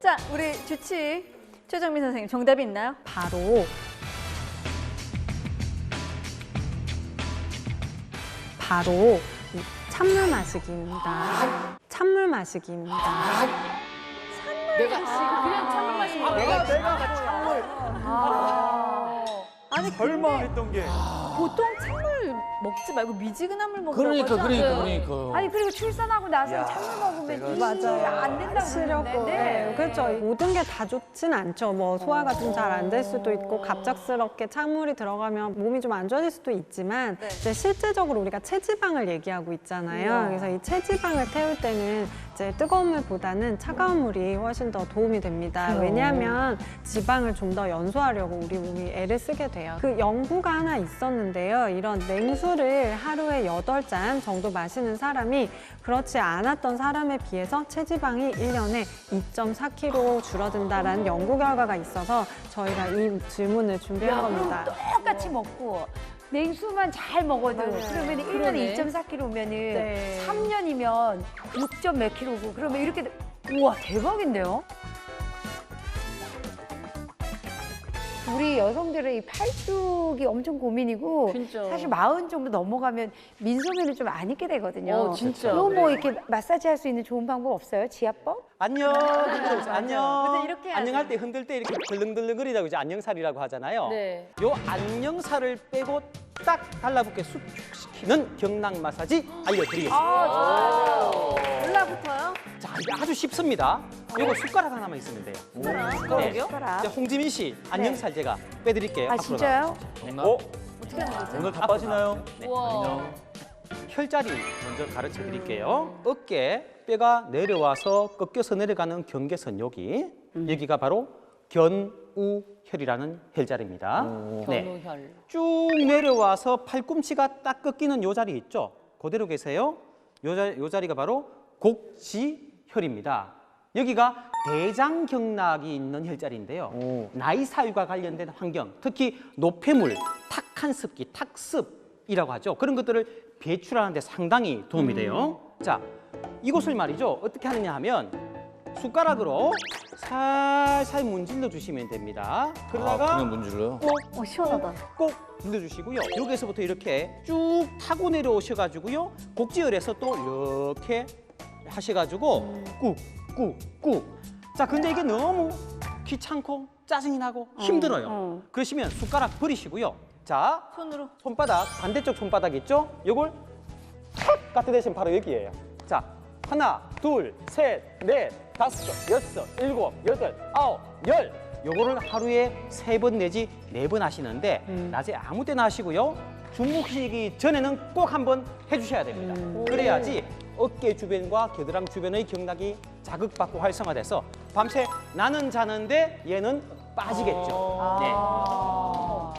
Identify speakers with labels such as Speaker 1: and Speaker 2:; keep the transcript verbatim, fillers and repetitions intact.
Speaker 1: 자, 우리 주치 최정민 선생님 정답이 있나요?
Speaker 2: 바로 바로 이 찬물 마시기입니다. 찬물 마시기입니다.
Speaker 3: 내가 아, 그냥 찬물 마시는 거예요.
Speaker 4: 내가 내가 찬물.
Speaker 1: 아. 아니
Speaker 4: 설마 했던 게.
Speaker 1: 보통 찬물 먹지 말고 미지근한 물 먹으라고
Speaker 3: 그러니까
Speaker 1: 하지
Speaker 3: 그러니까
Speaker 1: 않아요?
Speaker 3: 그러니까.
Speaker 5: 아니 그리고 출산하고 나서
Speaker 4: 야,
Speaker 5: 찬물 먹으면
Speaker 4: 내가
Speaker 5: 이
Speaker 2: 맞아요.
Speaker 5: 안 된다고
Speaker 2: 시려고.
Speaker 5: 그러는데.
Speaker 2: 네, 그렇죠. 모든 게 다 좋진 않죠. 뭐 소화가 좀 잘 안 될 수도 있고 갑작스럽게 찬물이 들어가면 몸이 좀 안 좋아질 수도 있지만
Speaker 1: 네.
Speaker 2: 이제 실제적으로 우리가 체지방을 얘기하고 있잖아요. 그래서 이 체지방을 태울 때는 이제 뜨거운 물보다는 차가운 물이 훨씬 더 도움이 됩니다. 왜냐하면 지방을 좀 더 연소하려고 우리 몸이 애를 쓰게 돼요. 그 연구가 하나 있었는데요. 이런 냉수를 하루에 여덟 잔 정도 마시는 사람이 그렇지 않았던 사람에 비해서 체지방이 일 년에 이 점 사 킬로그램 줄어든다라는 연구 결과가 있어서 저희가 이 질문을 준비한
Speaker 5: 야,
Speaker 2: 겁니다.
Speaker 5: 그럼 똑같이 먹고 냉수만 잘 먹어도
Speaker 2: 맞아요.
Speaker 5: 그러면 일 년에
Speaker 1: 그러네.
Speaker 5: 이 점 사 킬로그램이면은
Speaker 2: 네.
Speaker 5: 삼 년이면 육 점 몇 킬로고 그러면 이렇게 돼- 우와 대박인데요? 우리 여성들의 이 팔뚝이 엄청 고민이고
Speaker 1: 진짜.
Speaker 5: 사실 마흔 정도 넘어가면 민소매를 좀 안 입게 되거든요.
Speaker 1: 어, 진짜.
Speaker 5: 이거 뭐 이렇게 마사지 할 수 있는 좋은 방법 없어요? 지압법?
Speaker 4: 안녕. 안녕.
Speaker 1: 근데 이렇게 해야지.
Speaker 4: 안녕할 때 흔들 때 이렇게 덜렁덜렁거리다고 이제 안녕살이라고 하잖아요.
Speaker 1: 네.
Speaker 4: 요 안녕살을 빼고 딱 달라붙게 수축시키는 경락 마사지 알려드리겠습니다.
Speaker 1: 아, 올라붙어요?
Speaker 4: 자, 이게 아주 쉽습니다. 요거 숟가락 하나만 있으면 돼요.
Speaker 1: 숟가락이요?
Speaker 5: 숟가락.
Speaker 4: 이제 홍지민 씨 안녕살 제가 빼드릴게요.
Speaker 5: 아
Speaker 4: 앞으로
Speaker 5: 진짜요?
Speaker 4: 오,
Speaker 1: 어떻게 하는 거지?
Speaker 4: 오늘 다 빠지나요?
Speaker 1: 우와.
Speaker 4: 혈자리 먼저 가르쳐 드릴게요. 어깨, 뼈가 내려와서 꺾여서 내려가는 경계선 여기. 여기가 바로 견우혈이라는 혈자리입니다. 네.
Speaker 1: 견우혈.
Speaker 4: 쭉 내려와서 팔꿈치가 딱 꺾이는 요 자리 있죠? 그대로 계세요. 요, 자, 요 자리가 바로 곡지혈입니다. 여기가 대장경락이 있는 혈자리인데요. 나이 사유가 관련된 환경, 특히 노폐물, 탁한 습기, 탁습이라고 하죠. 그런 것들을 배출하는 데 상당히 도움이 돼요. 자, 이곳을 말이죠. 어떻게 하느냐 하면 숟가락으로 살살 문질러 주시면 됩니다. 그러다가
Speaker 3: 아, 그냥 문질러요?
Speaker 1: 어, 시원하다.
Speaker 4: 꼭 눌러주시고요. 여기에서부터 이렇게 쭉 타고 내려오셔가지고요. 곡지혈에서 또 이렇게 하셔가지고 꾹, 꾹, 꾹. 자, 근데 이게 너무 귀찮고 짜증이 나고 힘들어요.
Speaker 5: 어.
Speaker 4: 그러시면 숟가락 버리시고요. 자,
Speaker 1: 손으로.
Speaker 4: 손바닥, 반대쪽 손바닥 있죠? 요걸 탁 갖다 대시면 바로 여기예요. 자, 하나, 둘, 셋, 넷, 다섯, 여섯, 일곱, 여덟, 아홉, 열. 요거를 하루에 세 번 내지 네 번 하시는데 낮에 아무 때나 하시고요. 주무시기 전에는 꼭 한번 해주셔야 됩니다. 그래야지 어깨 주변과 겨드랑 주변의 경락이 자극받고 활성화돼서 밤새 나는 자는데 얘는 빠지겠죠. 네.